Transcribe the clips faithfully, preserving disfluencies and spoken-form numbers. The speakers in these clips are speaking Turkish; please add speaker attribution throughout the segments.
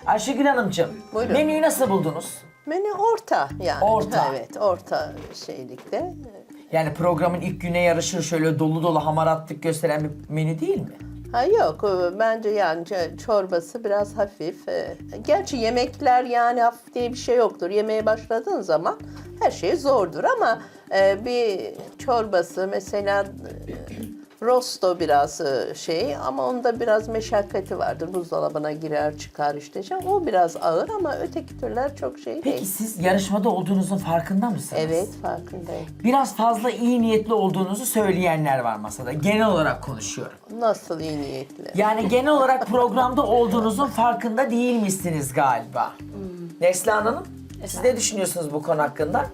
Speaker 1: Ayşegül Hanımcığım,
Speaker 2: Buyurun.
Speaker 1: menüyü nasıl buldunuz?
Speaker 2: Menü orta yani.
Speaker 1: Orta.
Speaker 2: Evet, orta şeylikte.
Speaker 1: Yani programın ilk güne yarışır şöyle dolu dolu hamaratlık gösteren bir menü değil mi?
Speaker 2: Ha yok, e, bence yani ç- çorbası biraz hafif. E, Gerçi yemekler yani hafif diye bir şey yoktur. Yemeğe başladığın zaman her şey zordur ama e, bir çorbası mesela e, rosto biraz e, şey ama onda biraz meşakkati vardır. Buzdolabına girer çıkar işte. şey. O biraz ağır ama öteki türler çok şey
Speaker 1: Peki
Speaker 2: değil.
Speaker 1: siz yarışmada olduğunuzun farkında mısınız?
Speaker 2: Evet, farkındayım.
Speaker 1: Biraz fazla iyi niyetli olduğunuzu söyleyenler var masada. Genel olarak konuşuyorum.
Speaker 2: Nasıl iyi niyetli?
Speaker 1: Yani genel olarak programda olduğunuzun farkında değilmişsiniz galiba. Neslihan Hanım, siz ne düşünüyorsunuz bu konu hakkında?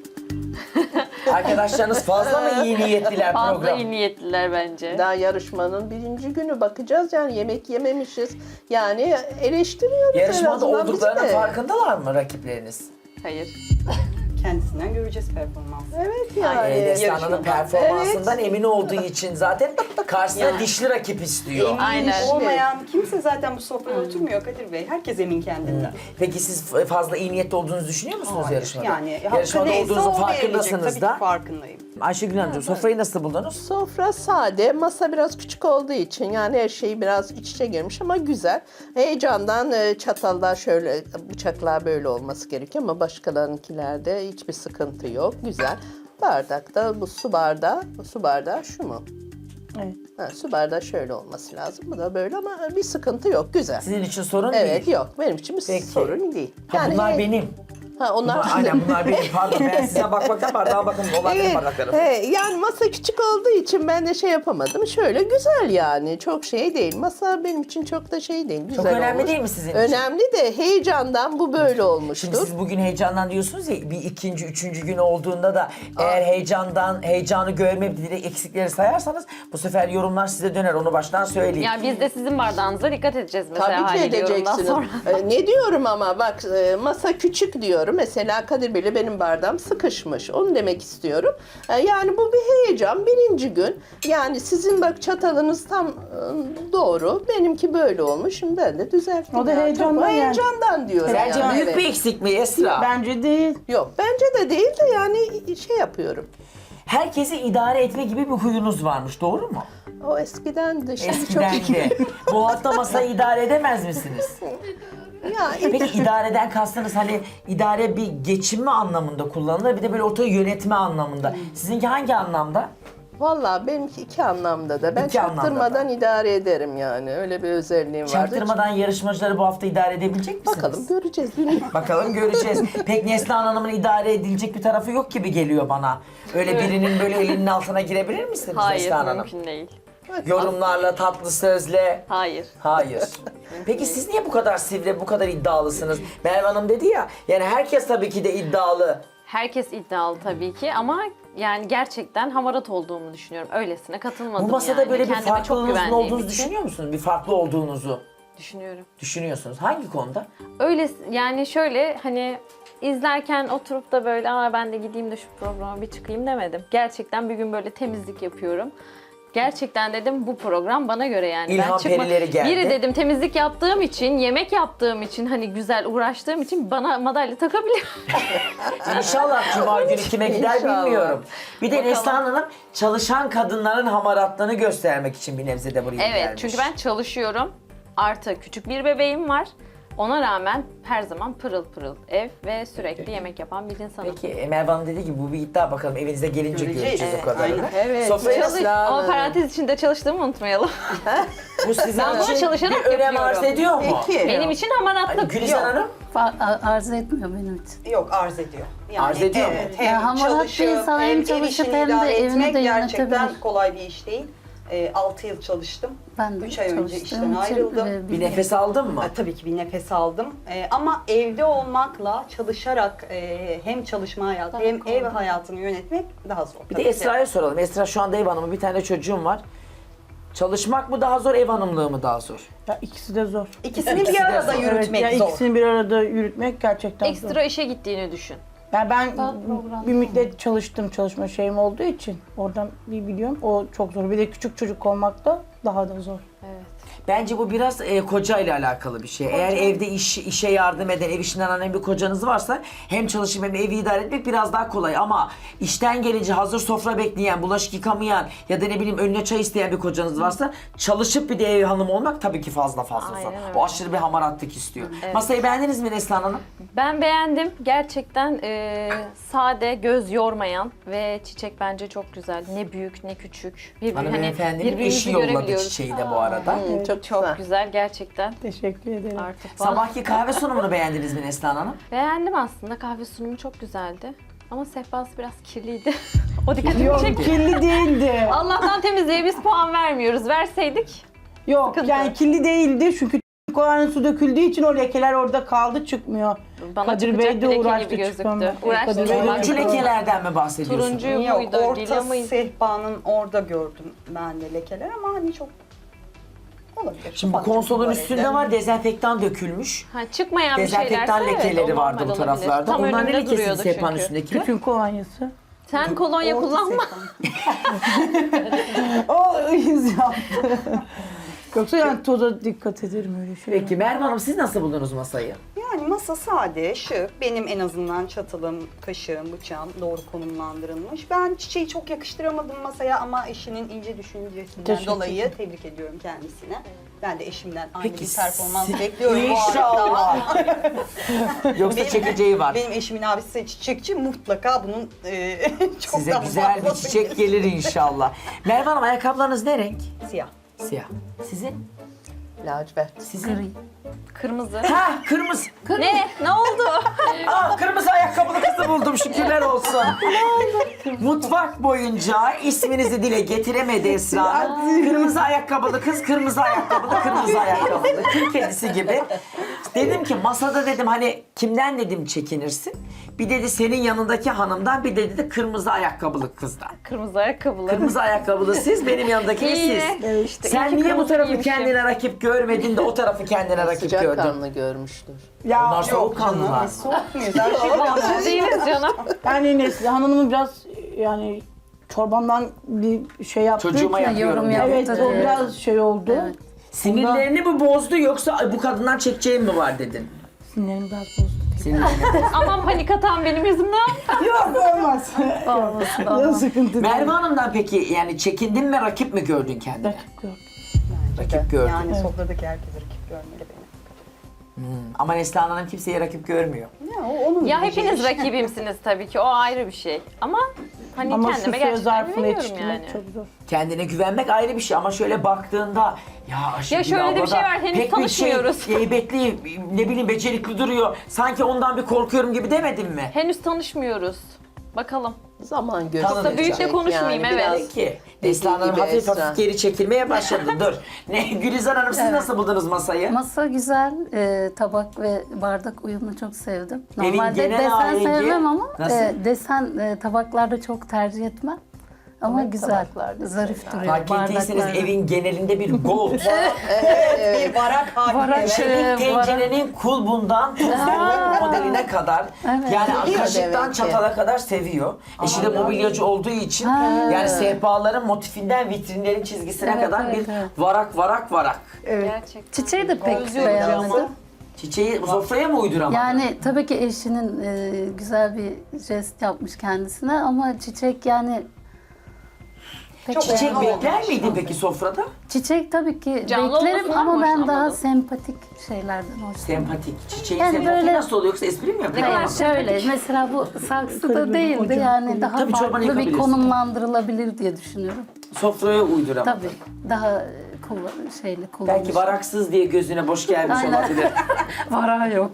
Speaker 1: Arkadaşlarınız fazla mı iyi niyetliler
Speaker 3: Fazla
Speaker 1: program?
Speaker 3: iyi niyetliler bence.
Speaker 2: Daha yarışmanın birinci günü bakacağız yani yemek yememişiz. Yani eleştiriyoruz en
Speaker 1: Yarışmada
Speaker 2: azından bizi
Speaker 1: olduklarının
Speaker 2: de.
Speaker 1: farkındalar mı rakipleriniz?
Speaker 3: Hayır.
Speaker 4: Kendisinden göreceğiz performansı.
Speaker 2: Evet yani.
Speaker 1: Ee, Neslihan Hanım
Speaker 4: yarışmadan.
Speaker 1: performansından emin olduğu için zaten karşısına dişli rakip istiyor.
Speaker 4: Emin
Speaker 3: Aynen.
Speaker 4: olmayan kimse zaten bu sofraya oturmuyor Kadir Bey. Herkes emin kendinden.
Speaker 1: Peki siz fazla iyi niyetli olduğunuzu düşünüyor musunuz
Speaker 4: Hayır,
Speaker 1: yarışmada?
Speaker 4: Yani hakkı
Speaker 1: Yarışmada
Speaker 4: neyse
Speaker 1: olduğunuzun
Speaker 4: o verilecek.
Speaker 1: farkındasınız
Speaker 4: Tabii
Speaker 1: da.
Speaker 4: ki farkındayım.
Speaker 1: Ayşegül Hanımcığım sofrayı nasıl buldunuz?
Speaker 2: Sofra sade, masa biraz küçük olduğu için yani her şey biraz iç içe girmiş ama güzel. Heyecandan e, çatallar şöyle, bıçaklar böyle olması gerekiyor ama başkalarınkilerde hiçbir sıkıntı yok. Güzel. Bardakta bu su bardağı, su bardağı şu mu?
Speaker 5: Evet.
Speaker 2: Ha, su bardağı şöyle olması lazım. Bu da böyle ama bir sıkıntı yok. Güzel.
Speaker 1: Sizin için sorun
Speaker 2: Evet
Speaker 1: değil.
Speaker 2: yok benim için bir
Speaker 1: Peki.
Speaker 2: sorun değil.
Speaker 1: Ha, bunlar
Speaker 2: e,
Speaker 1: benim.
Speaker 2: Ha, onlar
Speaker 1: Bunlar, aynen bunlar benim. Pardon ben size bakmaktan bardağa bakın. Onlar benim
Speaker 2: Evet,
Speaker 1: bardaklarım.
Speaker 2: evet, yani masa küçük olduğu için ben de şey yapamadım. Şöyle güzel yani. Çok şey değil. Masa benim için çok da şey değil. Güzel
Speaker 1: önemli
Speaker 2: olmuş.
Speaker 1: değil mi sizin için?
Speaker 2: Önemli de heyecandan bu böyle
Speaker 1: Şimdi
Speaker 2: olmuştur.
Speaker 1: siz bugün heyecandan diyorsunuz ya bir ikinci, üçüncü gün olduğunda da eğer heyecandan, heyecanı görmeyip direkt eksikleri sayarsanız bu sefer yorumlar size döner. Onu baştan söyleyeyim.
Speaker 3: Yani biz de sizin bardağınıza dikkat edeceğiz mesela
Speaker 2: Tabii ki
Speaker 3: haliyle yorumdan
Speaker 2: edeceksiniz.
Speaker 3: sonra.
Speaker 2: Ee, ne diyorum ama bak e, masa küçük diyorum. Mesela Kadir Bey'le benim bardağım sıkışmış. Onu demek istiyorum. Ee, yani bu bir heyecan. Birinci gün. Yani sizin bak çatalınız tam e, doğru. Benimki böyle olmuş. Şimdi ben de düzelttim.
Speaker 5: O da
Speaker 2: yani.
Speaker 5: heyecandan
Speaker 2: Tabii, o
Speaker 5: yani.
Speaker 2: heyecandan diyorum.
Speaker 1: Sence
Speaker 2: yani,
Speaker 1: büyük
Speaker 2: evet.
Speaker 1: bir eksik mi Esra?
Speaker 5: Bence değil.
Speaker 2: Yok bence de değil de yani şey yapıyorum.
Speaker 1: Herkesi idare etme gibi bir huyunuz varmış, doğru mu?
Speaker 2: O eskiden de şimdi
Speaker 1: Eskiden
Speaker 2: çok
Speaker 1: de. Bu hafta masayı idare edemez misiniz?
Speaker 2: ya
Speaker 1: Peki idareden kastınız hani idare bir geçinme anlamında kullanılır, bir de böyle ortayı yönetme anlamında. Sizinki hangi anlamda?
Speaker 2: vallahi benimki iki anlamda da. Ben
Speaker 1: İki anlamda
Speaker 2: çaktırmadan idare ederim yani. Öyle bir özelliğim vardı.
Speaker 1: Çaktırmadan yarışmacıları bu hafta idare edebilecek misiniz?
Speaker 2: Bakalım göreceğiz. Bilmiyorum.
Speaker 1: Bakalım göreceğiz. Pek Neslihan Hanım'ın idare edilecek bir tarafı yok gibi geliyor bana. Öyle birinin böyle elinin altına girebilir misiniz
Speaker 3: Hayır,
Speaker 1: Neslihan Hanım?
Speaker 3: mümkün değil.
Speaker 1: Yorumlarla, tatlı sözle.
Speaker 3: Hayır.
Speaker 1: Hayır. Peki siz niye bu kadar sivri, bu kadar iddialısınız? Merve Hanım dedi ya, yani herkes tabii ki de iddialı.
Speaker 3: Herkes iddialı tabii ki ama yani gerçekten hamarat olduğumu düşünüyorum. Öylesine katılmadım
Speaker 1: Bu masada
Speaker 3: yani.
Speaker 1: böyle bir
Speaker 3: Kendime çok
Speaker 1: farklılığınızın
Speaker 3: güvendiğim
Speaker 1: olduğunuzu
Speaker 3: için
Speaker 1: düşünüyor musunuz? Bir farklı olduğunuzu
Speaker 3: düşünüyorum.
Speaker 1: düşünüyorsunuz. Hangi konuda?
Speaker 3: Öyle yani şöyle hani izlerken oturup da böyle aa ben de gideyim de şu programa bir çıkayım demedim. Gerçekten bir gün böyle temizlik yapıyorum. Gerçekten dedim bu program bana göre yani.
Speaker 1: İlham perileri geldi.
Speaker 3: Biri dedim temizlik yaptığım için, yemek yaptığım için hani güzel uğraştığım için bana madalya takabilir.
Speaker 1: İnşallah Cuma günü kime gider
Speaker 2: İnşallah.
Speaker 1: bilmiyorum. Bir de
Speaker 3: Bakalım.
Speaker 1: Neslihan Hanım çalışan kadınların hamaratlığını göstermek için bir nebze de buraya
Speaker 3: Evet
Speaker 1: gelmiş.
Speaker 3: çünkü ben çalışıyorum. Artı küçük bir bebeğim var. Ona rağmen her zaman pırıl pırıl ev ve sürekli yemek yapan bir insanım.
Speaker 1: Peki e, Merve Hanım dedi ki bu bir iddia, bakalım evinize gelince
Speaker 4: Göreceğiz.
Speaker 1: göreceğiz o
Speaker 4: Evet,
Speaker 1: kadarını.
Speaker 4: aynen.
Speaker 2: Evet.
Speaker 1: Sofraya
Speaker 2: Çalış-
Speaker 3: Ama parantez içinde çalıştığımı unutmayalım.
Speaker 1: bu sizin
Speaker 3: Ben bunu
Speaker 1: için
Speaker 3: çalışarak
Speaker 1: bir önem
Speaker 3: yapıyorum.
Speaker 1: arz ediyor mu?
Speaker 2: Peki.
Speaker 3: Benim için hamaratlık.
Speaker 1: Gülistan Hanım?
Speaker 6: Fa- a- arz etmiyor benim için.
Speaker 4: Yok arz ediyor. Yani,
Speaker 1: Arz ediyor mu?
Speaker 4: evet, hem
Speaker 6: Ya hamarat bir
Speaker 4: çalışıyor,
Speaker 6: insan hem
Speaker 4: ev
Speaker 6: çalışıp
Speaker 4: işini
Speaker 6: hem de
Speaker 4: idare
Speaker 6: evini
Speaker 4: etmek
Speaker 6: de
Speaker 4: gerçekten
Speaker 6: yönetebilir.
Speaker 4: kolay bir iş değil. E, altı yıl çalıştım.
Speaker 6: Ben de
Speaker 4: üç ay önce
Speaker 6: çalıştığım
Speaker 4: işten
Speaker 6: için,
Speaker 4: ayrıldım.
Speaker 6: e,
Speaker 1: Bir nefes aldın mı?
Speaker 4: Ha, tabii ki bir nefes aldım. Ee, ama evde olmakla çalışarak e, hem çalışma hayatı
Speaker 3: Daha
Speaker 4: hem
Speaker 3: kolay.
Speaker 4: ev hayatını yönetmek daha zor.
Speaker 1: Bir
Speaker 4: tabii
Speaker 1: de
Speaker 4: ki.
Speaker 1: Esra'ya soralım. Esra şu anda ev hanımı, bir tane çocuğum var. Çalışmak mı daha zor, ev hanımlığı mı daha zor?
Speaker 5: Ya ikisi de zor.
Speaker 4: İkisini
Speaker 1: İkisi
Speaker 4: bir
Speaker 1: de
Speaker 4: arada
Speaker 1: zor.
Speaker 4: yürütmek
Speaker 5: evet, ya
Speaker 4: zor.
Speaker 5: ikisini bir arada yürütmek gerçekten zor.
Speaker 3: Ekstra işe gittiğini düşün.
Speaker 5: Ya ben
Speaker 6: Daha program
Speaker 5: bir müddet çalıştım, çalışma şeyim olduğu için oradan bir biliyorum. O çok zor. Bir de küçük çocuk olmak da daha da zor.
Speaker 3: Evet.
Speaker 1: Bence bu biraz e, koca ile alakalı bir şey. Eğer evde iş, işe yardım eden, ev işinden anlayan bir kocanız varsa hem çalışıp hem evi idare etmek biraz daha kolay. Ama işten gelince hazır sofra bekleyen, bulaşık yıkamayan ya da ne bileyim önüne çay isteyen bir kocanız varsa çalışıp bir de ev hanımı olmak tabii ki fazla fazla zor.
Speaker 3: Aynen öyle.
Speaker 1: O aşırı bir hamaratlık istiyor. Masayı beğendiniz mi Neslihan Hanım?
Speaker 3: Ben beğendim. Gerçekten e, sade, göz yormayan ve çiçek bence çok güzel. Ne büyük ne küçük. Bir,
Speaker 1: Hanımefendinin
Speaker 3: birbirimizi
Speaker 1: eşi yolladı
Speaker 3: görebiliyoruz.
Speaker 1: çiçeği de bu arada.
Speaker 2: Hı, çok,
Speaker 3: Çok
Speaker 2: güzel.
Speaker 3: güzel gerçekten.
Speaker 5: Teşekkür ederim.
Speaker 3: Artık bana-
Speaker 1: Sabahki kahve sunumunu beğendiniz mi Neslihan Hanım?
Speaker 3: Beğendim aslında. Kahve sunumu çok güzeldi. Ama sehpası biraz kirliydi. O dikkatimi
Speaker 5: Yok
Speaker 3: çekti.
Speaker 5: kirli değildi.
Speaker 3: Allah'tan temizliğe biz puan vermiyoruz. Verseydik.
Speaker 5: Yok
Speaker 3: Sıkıntı.
Speaker 5: yani kirli değildi çünkü kovanın su döküldüğü için o lekeler orada kaldı çıkmıyor.
Speaker 3: Bana
Speaker 5: Kadir
Speaker 3: çıkacak
Speaker 5: Bey de
Speaker 3: bir leke
Speaker 5: uğraştı
Speaker 3: gibi gözüktü.
Speaker 5: çıkmamaya.
Speaker 3: Uğraştı.
Speaker 5: Kadir Bey de
Speaker 1: Turuncu
Speaker 5: çıkamadı.
Speaker 1: lekelerden mi bahsediyorsun?
Speaker 3: Turuncu
Speaker 4: Yok,
Speaker 3: muydu? Lila
Speaker 4: orta
Speaker 3: mıydı?
Speaker 4: sehpanın orada gördüm ben de lekeler ama hani çok olabilir.
Speaker 1: Şimdi bu
Speaker 4: Ufak
Speaker 1: konsolun
Speaker 4: tefek
Speaker 1: üstünde
Speaker 4: tuvalette.
Speaker 1: var dezenfektan dökülmüş.
Speaker 3: Ha, çıkmayan bir şeylerse
Speaker 1: Dezenfektan
Speaker 3: evet,
Speaker 1: lekeleri
Speaker 3: o
Speaker 1: vardı bu
Speaker 3: normal
Speaker 1: taraflarda.
Speaker 3: olabilir. Tam
Speaker 1: Onlar ne
Speaker 3: önünde
Speaker 1: lekesi
Speaker 3: duruyordu
Speaker 1: sehpanın
Speaker 3: çünkü.
Speaker 1: üstündekiler?
Speaker 5: Tütün kolonyası.
Speaker 3: Sen kolonya
Speaker 4: Orta
Speaker 3: kullanma.
Speaker 4: sehpan.
Speaker 5: O iz yaptı. Yoksa yani toza dikkat ederim öyle şey.
Speaker 1: Peki Merve Hanım siz nasıl buldunuz masayı?
Speaker 4: Yani masa sade, şık. Benim en azından çatalım, kaşığım, bıçağım doğru konumlandırılmış. Ben çiçeği çok yakıştıramadım masaya ama eşinin ince düşüncesinden
Speaker 5: Teşekkür
Speaker 4: dolayı tebrik ediyorum kendisine. Ben de eşimden aynı
Speaker 1: Peki,
Speaker 4: bir performans
Speaker 1: siz-
Speaker 4: bekliyorum bu
Speaker 1: İnşallah.
Speaker 4: arada.
Speaker 1: Yoksa
Speaker 4: Benim-
Speaker 1: çekeceği var.
Speaker 4: Benim eşimin abisi çiçekçi, mutlaka bunun e, çok
Speaker 1: Size
Speaker 4: daha
Speaker 1: güzel bir
Speaker 4: fazlası
Speaker 1: çiçek gelir inşallah. Merve Hanım ayakkabılarınız ne renk?
Speaker 4: Siyah.
Speaker 1: Siyah. Sizin?
Speaker 2: Lacivert.
Speaker 1: Sizin?
Speaker 6: Gri.
Speaker 3: Kırmızı.
Speaker 1: Ha kırmızı.
Speaker 3: Ne? Ne oldu?
Speaker 1: Aa, kırmızı ayakkabılı kızı buldum şükürler olsun. Mutfak boyunca isminizi dile getiremedi Esra Hanım. Kırmızı ayakkabılı kız, kırmızı ayakkabılı, kırmızı ayakkabılı. Kül kedisi gibi. Dedim ki masada dedim hani kimden dedim çekinirsin? Bir dedi senin yanındaki hanımdan, bir de dedi kırmızı ayakkabılı kızdan.
Speaker 3: Kırmızı ayakkabılı.
Speaker 1: Kırmızı ayakkabılı siz, benim yanımdaki
Speaker 3: İyi.
Speaker 1: siz.
Speaker 3: Evet işte, iyi
Speaker 1: Sen
Speaker 3: ki
Speaker 1: niye bu
Speaker 3: kırmızı
Speaker 1: tarafı
Speaker 3: giymişim.
Speaker 1: kendine rakip görmedin de o tarafı kendine rakip
Speaker 2: Sıcak
Speaker 1: gördün?
Speaker 2: kanlı görmüştür.
Speaker 5: Ya
Speaker 1: Onlar
Speaker 4: Yok canım,
Speaker 1: soğukkanlılar.
Speaker 4: biz soğuk muyuz? Her şey
Speaker 3: Biz değiliz canım.
Speaker 5: yani Neslihan Hanım'ın biraz yani çorbamdan bir şey yaptı.
Speaker 1: Çocuğuma
Speaker 6: Ya,
Speaker 1: yapıyorum.
Speaker 6: yorum
Speaker 1: ya.
Speaker 5: Evet
Speaker 6: yaptı.
Speaker 5: o biraz şey oldu.
Speaker 6: Evet.
Speaker 1: Sinirlerini mi bozdu yoksa "Ay, bu kadından çekeceğim mi var dedin?
Speaker 5: Sinirlerim biraz bozdu.
Speaker 1: Sinirlerini.
Speaker 3: Aman panik atan benim yüzümden.
Speaker 5: Yok olmaz.
Speaker 6: Olmasın,
Speaker 5: Yok
Speaker 6: olmaz.
Speaker 5: sıkıntı değil.
Speaker 1: Merve Hanım'dan peki yani çekindin mi rakip mi gördün kendine?
Speaker 5: Rakip gördüm.
Speaker 1: Rakip gördün.
Speaker 4: Yani sofradaki herkes rakip görmeli beni.
Speaker 1: Ama Neslihan Hanım kimseye rakip görmüyor.
Speaker 4: Ya, o onun
Speaker 3: Ya
Speaker 4: bileceği
Speaker 3: hepiniz
Speaker 4: iş.
Speaker 3: rakibimsiniz tabii ki. O ayrı bir şey. Ama hani
Speaker 5: Ama şu
Speaker 3: kendime
Speaker 5: süre
Speaker 3: gerçekten
Speaker 5: zarfını
Speaker 3: güveniyorum
Speaker 5: yetiştirmek
Speaker 3: yani.
Speaker 5: çok zor.
Speaker 1: Kendine güvenmek ayrı bir şey ama şöyle baktığında ya Ayşegül
Speaker 3: Ya şöyle de bir
Speaker 1: abla
Speaker 3: şey
Speaker 1: da
Speaker 3: var, henüz
Speaker 1: pek bir şey
Speaker 3: tanışmıyoruz.
Speaker 1: heybetli ne bileyim becerikli duruyor. Sanki ondan bir korkuyorum gibi demedin mi?
Speaker 3: Henüz tanışmıyoruz. Bakalım.
Speaker 2: Zaman gösterecek.
Speaker 1: Çok da büyük de
Speaker 3: konuşmayayım, evet.
Speaker 2: biraz
Speaker 1: Peki. Neslihan Hanım
Speaker 2: gibi
Speaker 1: hafif
Speaker 2: Esra.
Speaker 1: hafif geri çekilmeye başladı. Dur. Ne Gülizar Hanım siz nasıl buldunuz masayı?
Speaker 6: Masa güzel, e, tabak ve bardak uyumunu çok sevdim.
Speaker 1: Evin
Speaker 6: Normalde
Speaker 1: genel
Speaker 6: desen
Speaker 1: ahengi
Speaker 6: sevmem ama
Speaker 1: nasıl?
Speaker 6: e, desen e, tabaklarda çok tercih etmem. Ama
Speaker 2: Ama
Speaker 6: güzel,
Speaker 2: tabaklarda
Speaker 6: zarif duruyor
Speaker 1: Fark ettiyseniz
Speaker 6: bardaklarda.
Speaker 1: evin genelinde bir gold.
Speaker 4: Bir varak haline.
Speaker 6: Varak
Speaker 4: evet.
Speaker 6: şey-
Speaker 1: Çelik
Speaker 6: varak-
Speaker 1: tencerenin kulbundan tuzlu modeline kadar
Speaker 6: Evet.
Speaker 1: yani
Speaker 2: Seviyor
Speaker 1: kaşıktan
Speaker 2: demek ki.
Speaker 1: çatala kadar seviyor. Eşi de mobilyacı olduğu için yani sehpaların motifinden vitrinlerin çizgisine
Speaker 6: Evet,
Speaker 1: kadar
Speaker 6: evet,
Speaker 1: bir
Speaker 6: evet.
Speaker 1: varak varak varak.
Speaker 3: Gerçekten.
Speaker 6: Çiçeği de pek
Speaker 3: Özlüyorum
Speaker 6: beğenmedim.
Speaker 1: Çiçeği sofraya mı uyduramadın?
Speaker 6: Yani tabii ki eşinin e, güzel bir jest yapmış kendisine ama çiçek yani pek
Speaker 4: Çok
Speaker 1: Çiçek
Speaker 4: beğendim.
Speaker 1: bekler miydin peki sofrada?
Speaker 6: Çiçek tabii ki
Speaker 3: Canlı
Speaker 6: beklerim
Speaker 3: olmasından
Speaker 6: ama
Speaker 3: mı
Speaker 6: ben daha
Speaker 3: hoşlanmadın?
Speaker 6: sempatik şeylerden hoşlanıyorum.
Speaker 1: Sempatik. Çiçeğin
Speaker 6: Yani
Speaker 1: sempati
Speaker 6: böyle-
Speaker 1: nasıl oluyor yoksa espri mi yapıyor?
Speaker 6: Hayır şöyle mesela bu saksıda
Speaker 5: Kırmızı
Speaker 6: değildi
Speaker 5: hocam,
Speaker 6: yani
Speaker 5: kırmızı.
Speaker 6: daha
Speaker 1: Tabii çorbanı
Speaker 6: farklı bir
Speaker 1: yakabilirsin.
Speaker 6: konumlandırılabilir diye düşünüyorum.
Speaker 1: Sofraya uyduramadın.
Speaker 6: Tabii daha e, kullan şeyli kullanmış.
Speaker 1: Belki varaksız diye gözüne boş gelmiş
Speaker 6: Aynen.
Speaker 1: olabilir.
Speaker 6: Vara yok.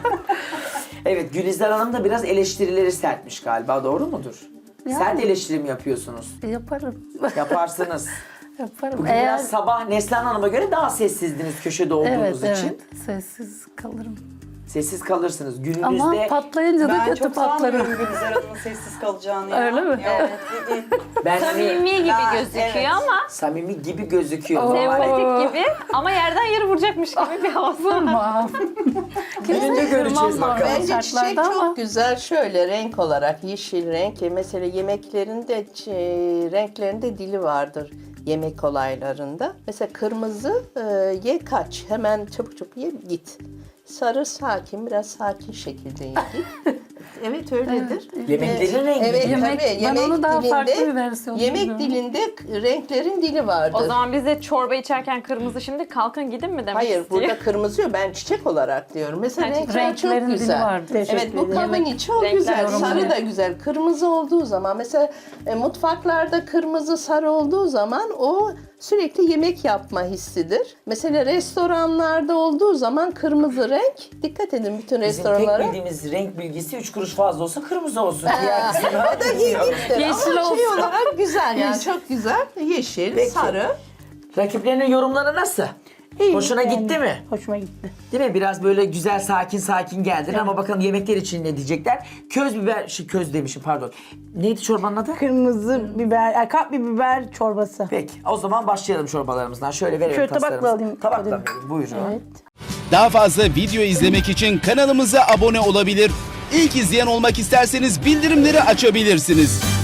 Speaker 1: Evet, Gülizar Hanım da biraz eleştirileri sertmiş galiba, doğru mudur?
Speaker 6: Yani.
Speaker 1: Sert eleştiri mi yapıyorsunuz?
Speaker 6: Yaparım.
Speaker 1: Yaparsınız.
Speaker 6: Yaparım.
Speaker 1: Bugün biraz sabah Neslihan Hanım'a göre daha sessizdiniz köşede olduğunuz
Speaker 6: evet,
Speaker 1: için.
Speaker 6: evet. Sessiz kalırım.
Speaker 1: Sessiz kalırsınız. Gününüzde
Speaker 6: Ama patlayınca da
Speaker 4: Ben
Speaker 6: kötü
Speaker 4: çok
Speaker 6: patlarım.
Speaker 4: sanmıyorum Gülizar Hanım'ın sessiz kalacağını. ya.
Speaker 6: Öyle mi?
Speaker 4: Evet.
Speaker 1: ben hani
Speaker 3: Samimi gibi
Speaker 4: Ben-
Speaker 3: gözüküyor
Speaker 4: evet.
Speaker 3: ama
Speaker 1: samimi gibi gözüküyor.
Speaker 6: Oo.
Speaker 1: Normalde
Speaker 3: sempatik gibi ama yerden yere vuracakmış gibi bir havası var.
Speaker 6: Tamam.
Speaker 1: Gülünce göreceğiz bakalım.
Speaker 2: Bence çiçek
Speaker 6: şartlarda
Speaker 2: çok
Speaker 6: ama-
Speaker 2: güzel şöyle renk olarak yeşil renk. E, Mesela yemeklerinde ç- renklerinde dili vardır. yemek olaylarında. Mesela kırmızı e, ye kaç, hemen çabuk çabuk ye git. Sarı sakin, biraz sakin şekilde ye git. Evet öyledir.
Speaker 1: Yemeklerin rengi.
Speaker 2: Evet
Speaker 6: Yemek-
Speaker 2: tabii.
Speaker 6: ben
Speaker 2: Yemek
Speaker 6: onu daha
Speaker 2: dilinde,
Speaker 6: farklı bir versiyonu
Speaker 2: yemek
Speaker 6: biliyorum.
Speaker 2: dilinde k- renklerin dili vardır.
Speaker 3: O zaman biz de çorba içerken kırmızı, şimdi kalkın gidin mi demek
Speaker 2: Hayır,
Speaker 3: istiyor?
Speaker 2: burada kırmızı yok. Ben çiçek olarak diyorum. Mesela
Speaker 3: Ha,
Speaker 2: renkler çok
Speaker 6: renklerin dili
Speaker 2: güzel.
Speaker 6: vardır.
Speaker 2: Evet,
Speaker 5: Teşekkür
Speaker 2: bu
Speaker 5: ederim.
Speaker 2: kahvenin
Speaker 6: Yemek-
Speaker 2: çok
Speaker 3: renkler
Speaker 2: güzel.
Speaker 3: yorumları.
Speaker 2: Sarı da güzel. Kırmızı olduğu zaman, mesela e, mutfaklarda kırmızı sarı olduğu zaman o sürekli yemek yapma hissidir. Mesela restoranlarda olduğu zaman kırmızı renk, dikkat edin bütün
Speaker 1: Bizim tek
Speaker 2: restoranlara.
Speaker 1: bildiğimiz renk bilgisi üç kuruş fazla olsa kırmızı olsun. Diğer kısımlar
Speaker 2: O da
Speaker 1: bilmiyorum.
Speaker 2: ilginçtir.
Speaker 3: Yeşil
Speaker 2: Ama şey
Speaker 3: olsun.
Speaker 2: olarak güzel yani çok güzel. Yeşil,
Speaker 1: Peki.
Speaker 2: sarı.
Speaker 1: Rakiplerinin yorumları nasıl?
Speaker 5: İyi,
Speaker 1: Hoşuna
Speaker 5: yani
Speaker 1: gitti mi?
Speaker 5: Hoşuma gitti.
Speaker 1: Değil mi? Biraz böyle güzel sakin sakin geldin ama bakalım yemekler için ne diyecekler? Köz biber, şey, köz demişim pardon. Neydi çorbanın adı?
Speaker 5: Kırmızı biber, e, kapya biber çorbası.
Speaker 1: Peki o zaman başlayalım çorbalarımızdan. Şöyle verelim
Speaker 5: Şöyle tabakla
Speaker 1: taslarımızı.
Speaker 5: alayım.
Speaker 1: Tabakla
Speaker 5: Kadir.
Speaker 1: verelim buyurun.
Speaker 5: Evet.
Speaker 7: Daha fazla video izlemek için kanalımıza abone olabilir. İlk izleyen olmak isterseniz bildirimleri açabilirsiniz.